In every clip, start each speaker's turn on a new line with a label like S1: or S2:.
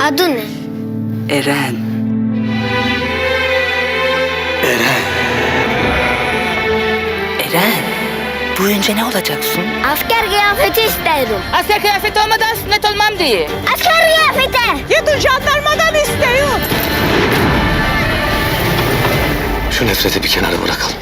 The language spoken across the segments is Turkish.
S1: Adı ne?
S2: Eren. Eren. Büyüyünce ne olacaksın?
S1: Asker kıyafeti isterim.
S2: Asker kıyafeti olmadan sünnet olmam diye.
S1: Asker kıyafeti.
S2: Gidin jandarmadan istiyor.
S3: Şu nefreti bir kenara bırakalım.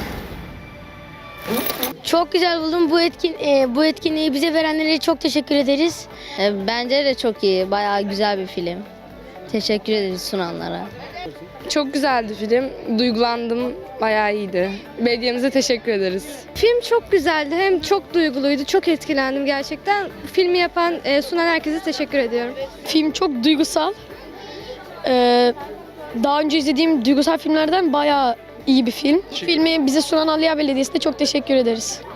S4: Çok güzel buldum. Bu etkinliği bize verenlere çok teşekkür ederiz. Bence de çok iyi. Bayağı güzel bir film. Teşekkür ederiz sunanlara.
S5: Çok güzeldi film. Duygulandım. Bayağı iyiydi. Belediyemize teşekkür ederiz.
S6: Film çok güzeldi. Hem çok duyguluydu. Çok etkilendim gerçekten. Filmi yapan, sunan herkese teşekkür ediyorum.
S4: Film çok duygusal. Daha önce izlediğim duygusal filmlerden bayağı iyi bir film. Filmi bize sunan Aliya Belediyesi'ne çok teşekkür ederiz.